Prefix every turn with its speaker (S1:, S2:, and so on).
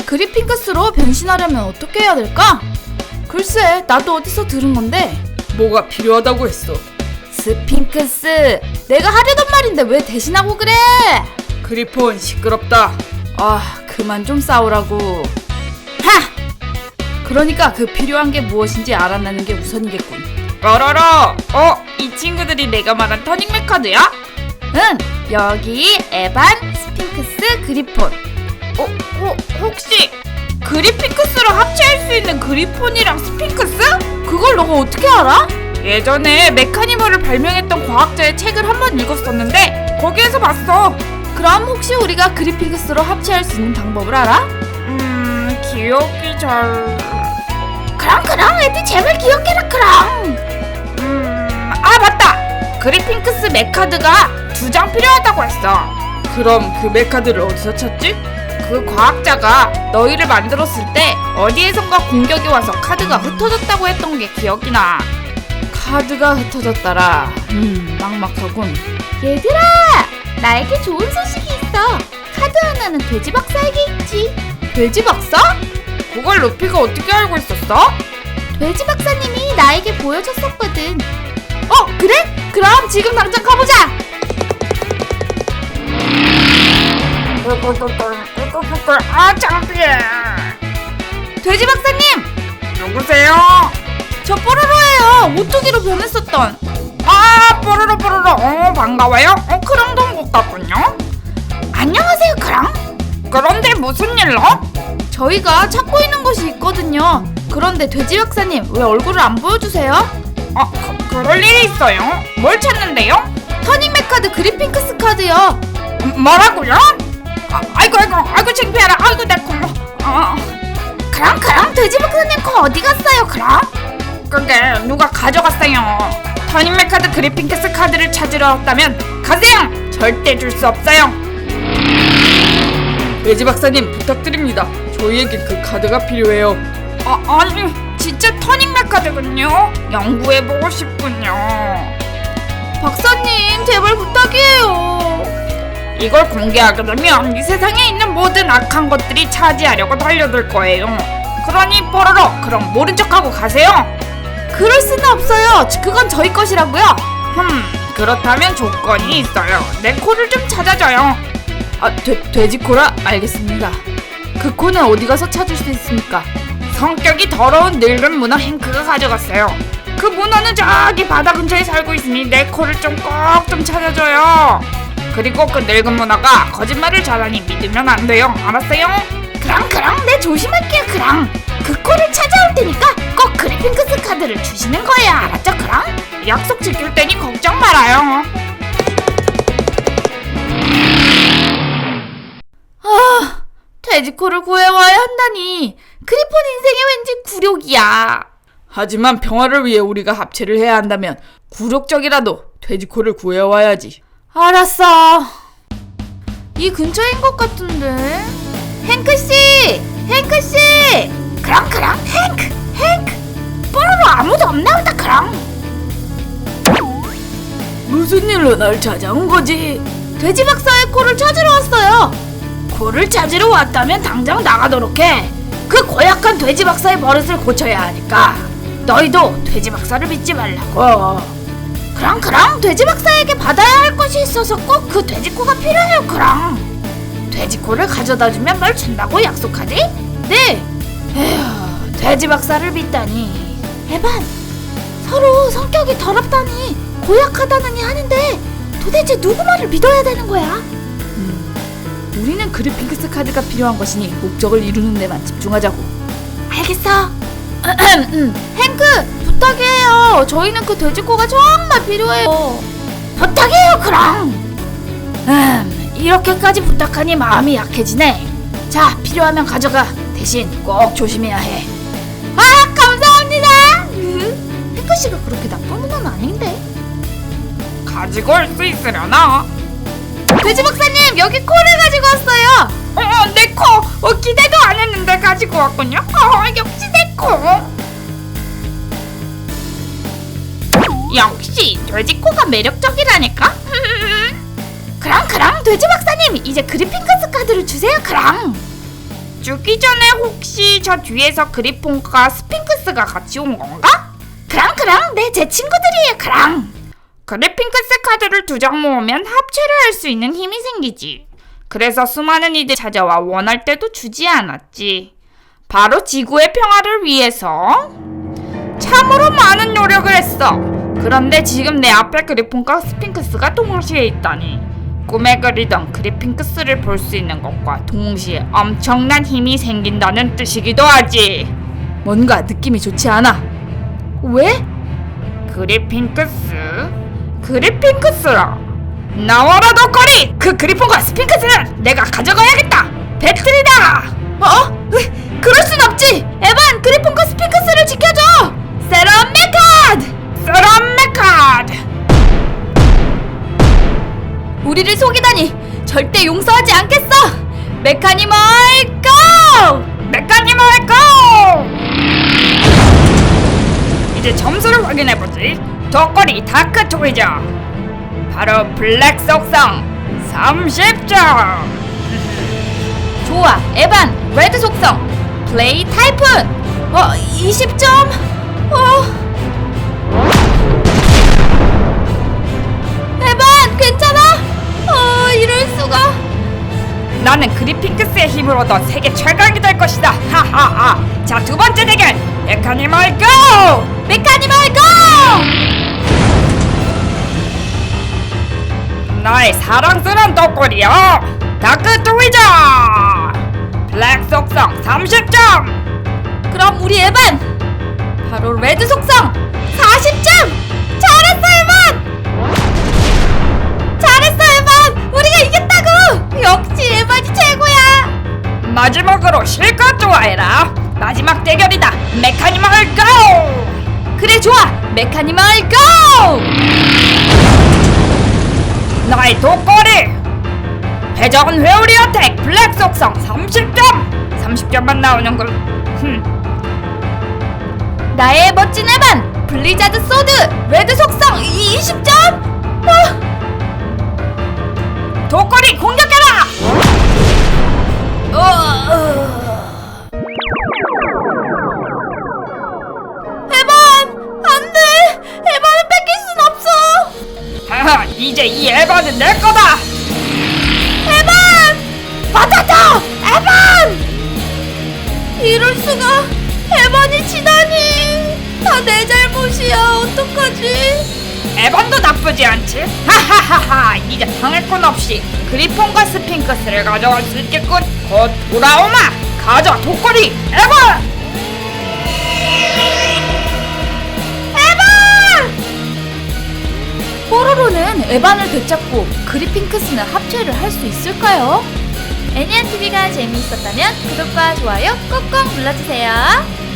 S1: 그리핑크스로 변신하려면 어떻게 해야 될까? 글쎄, 나도 어디서 들은 건데.
S2: 뭐가 필요하다고 했어?
S1: 스핑크스, 내가 하려던 말인데 왜 대신하고 그래?
S2: 그리폰 시끄럽다.
S1: 아, 그만 좀 싸우라고. 하! 그러니까 그 필요한 게 무엇인지 알아내는 게 우선이겠군.
S2: 어러러. 이 친구들이 내가 말한 터닝맥 카드야?
S1: 응, 여기 에반, 스핑크스, 그리폰.
S2: 혹시 그리핑크스로 합체할 수 있는 그리폰이랑 스핑크스?
S1: 그걸 너가 어떻게 알아?
S2: 예전에 메카니멀을 발명했던 과학자의 책을 한번 읽었었는데 거기에서 봤어.
S1: 그럼 혹시 우리가 그리핑크스로 합체할 수 있는 방법을 알아?
S2: 기억이 잘...
S1: 그럼 애들 제발 기억해라 그럼.
S2: 맞다! 그리핑크스 맥카드가 2장 필요하다고 했어. 그럼 그 맥카드를 어디서 찾지? 그 과학자가 너희를 만들었을 때 어디에선가 공격이 와서 카드가 흩어졌다고 했던 게 기억이 나.
S1: 카드가 흩어졌더라. 막막하군.
S3: 얘들아! 나에게 좋은 소식이 있어. 카드 하나는 돼지 박사에게 있지.
S1: 돼지 박사?
S2: 그걸 루피가 어떻게 알고 있었어?
S3: 돼지 박사님이 나에게 보여줬었거든.
S1: 그래? 그럼 지금 당장 가보자.
S2: 창피해.
S1: 돼지 박사님!
S2: 누구세요?
S1: 저 뽀로로예요. 오뚜기로 변했었던.
S2: 뽀로로. 반가워요. 크롱동 것 같군요.
S1: 안녕하세요, 크랑.
S2: 그런데 무슨 일로?
S1: 저희가 찾고 있는 것이 있거든요. 그런데 돼지 박사님, 왜 얼굴을 안 보여주세요?
S2: 그럴 일이 있어요. 뭘 찾는데요?
S1: 터닝맥 카드 그리핑크스 카드요.
S2: 뭐라고요? 아이고 창피해라. 아이고 내 코.
S1: 크랑 돼지 박사님 거 어디 갔어요, 크랑?
S2: 그게 누가 가져갔어요. 터닝맥 카드 그리핑크스 카드를 찾으러 왔다면 가세요. 절대 줄 수 없어요. 돼지 박사님 부탁드립니다. 저희에게 그 카드가 필요해요. 아니 진짜 터닝맥 카드군요. 연구해보고 싶군요.
S1: 박사님, 제발 부탁이에요.
S2: 이걸 공개하게 되면 이 세상에 있는 모든 악한 것들이 차지하려고 달려들 거예요. 그러니 뽀로로, 그럼 모른 척하고 가세요.
S1: 그럴 수는 없어요. 그건 저희 것이라고요.
S2: 그렇다면 조건이 있어요. 내 코를 좀 찾아줘요.
S1: 돼지코라? 알겠습니다. 그 코는 어디 가서 찾을 수 있습니까?
S2: 성격이 더러운 늙은 문어 행크가 가져갔어요. 그 문어는 저기 바다 근처에 살고 있으니 내 코를 좀 꼭 좀 찾아줘요. 그리고 그 늙은 문어가 거짓말을 잘하니 믿으면 안 돼요. 알았어요?
S3: 그럼 내 조심할게요, 그랑. 그 코를 찾아올 테니까 꼭 그리핑크스 카드를 주시는 거예요, 알았죠, 그랑?
S2: 약속 지킬 테니 걱정 말아요.
S1: 돼지코를 구해와야 한다니. 그리폰 인생이 왠지 굴욕이야.
S2: 하지만 평화를 위해 우리가 합체를 해야 한다면 굴욕적이라도 돼지코를 구해와야지.
S1: 알았어. 이 근처인 것 같은데. 행크씨!
S3: 그랑 행크 뽀로로 아무도 없나 보다, 그랑.
S1: 무슨 일로 날 찾아온 거지? 돼지 박사의 코를 찾으러 왔어요.
S3: 코를 찾으러 왔다면 당장 나가도록 해. 그 고약한 돼지 박사의 버릇을 고쳐야 하니까. 너희도 돼지 박사를 믿지 말라고. 그랑 돼지 박사에게 받아야 할 것이 있어서 꼭 그 돼지코가 필요해요, 그랑. 돼지코를 가져다주면 뭘 준다고 약속하지?
S1: 네.
S3: 에휴, 돼지 박사를 믿다니. 에반, 서로 성격이 더럽다니 고약하다느니 하는데 도대체 누구 말을 믿어야 되는 거야?
S1: 우리는 그리핑크스 카드가 필요한 것이니 목적을 이루는 데만 집중하자고.
S3: 알겠어.
S1: 행크, 부탁해요. 저희는 그 돼지코가 정말 필요해요.
S3: 부탁해요, 그랑. 이렇게까지 부탁하니 마음이 약해지네. 자, 필요하면 가져가. 대신 꼭 조심해야 해.
S1: 감사합니다.
S3: 행크씨가 그렇게 나쁜 분은 아닌데.
S2: 가지고 올 수 있으려나?
S1: 돼지 박사님, 여기 코를 가지고 왔어요.
S2: 내 코! 기대도 안 했는데 가지고 왔군요. 역시 내 코! 역시 돼지코가 매력적이라니까?
S3: 그랑 돼지 박사님, 이제 그리핑크스 카드를 주세요, 그랑.
S2: 죽기 전에 혹시 저 뒤에서 그리폰과 스핑크스가 같이 온 건가?
S3: 그랑 제 친구들이에요. 그랑.
S2: 그리핑크스 카드를 2장 모으면 합체를 할 수 있는 힘이 생기지. 그래서 수많은 이들이 찾아와 원할 때도 주지 않았지. 바로 지구의 평화를 위해서 참으로 많은 노력을 했어. 그런데 지금 내 앞에 그리폰과 스핑크스가 동시에 있다니. 꿈에 그리던 그리핑크스를 볼 수 있는 것과 동시에 엄청난 힘이 생긴다는 뜻이기도 하지.
S1: 뭔가 느낌이 좋지 않아.
S3: 왜?
S2: 그리핑크스라. 나와라 너거리! 그 그리폰과 스핑크스는 내가 가져가야겠다. 배틀이다.
S3: 그럴 순 없지. 에반, 그리폰과 스핑크스를 지켜줘. 세럼 메카드. 우리를 속이다니 절대 용서하지 않겠어. 메카니멀 고!
S2: 이제 점수를 확인해보지. 덕거리 다크 토이저. 바로 블랙 속성 30점.
S3: 좋아, 에반, 레드 속성 플레이 타이푼 20점. 에반, 괜찮아? 이럴 수가.
S2: 나는 그리핑크스의 힘으로 더 세계 최강이 될 것이다. 하하하. 자, 2번째 대결. 메카니멀 고! 나의 사랑스러운 덕거리여. 다크 토이저. 블랙 속성 30점.
S3: 그럼 우리 에반 바로 레드 속성 40점. 잘했어 에반. 우리가 이겼다고. 역시 에반이 최고야.
S2: 마지막으로 실컷 좋아해라. 마지막 대결이다. 메카니멀 고!
S3: 그래, 좋아. 메카니멀 고!
S2: 나의 독거리 회전 회오리 어택 블랙 속성 30점만 나오는걸.
S3: 나의 멋진 에반 블리자드 소드 레드 속성 20점.
S2: 독거리 공격해라.
S3: 에반, 안돼. 에반을 뺏길 순 없어.
S2: 하하, 이제 이 에반은 내 거다.
S3: 에반! 맞았다! 에반! 이럴 수가. 에반이 지다니. 다 내 잘못이야. 어떡하지?
S2: 에반도 나쁘지 않지. 하하하하. 이제 당할 건 없이 그리폰과 스핑크스를 가져갈 수 있겠군. 곧 돌아오마. 가자 독거리 에반.
S1: 뽀로로는 에반을 되찾고 그리핑크스는 합체를 할 수 있을까요?
S3: 애니안TV가 재미있었다면 구독과 좋아요 꼭꼭 눌러주세요.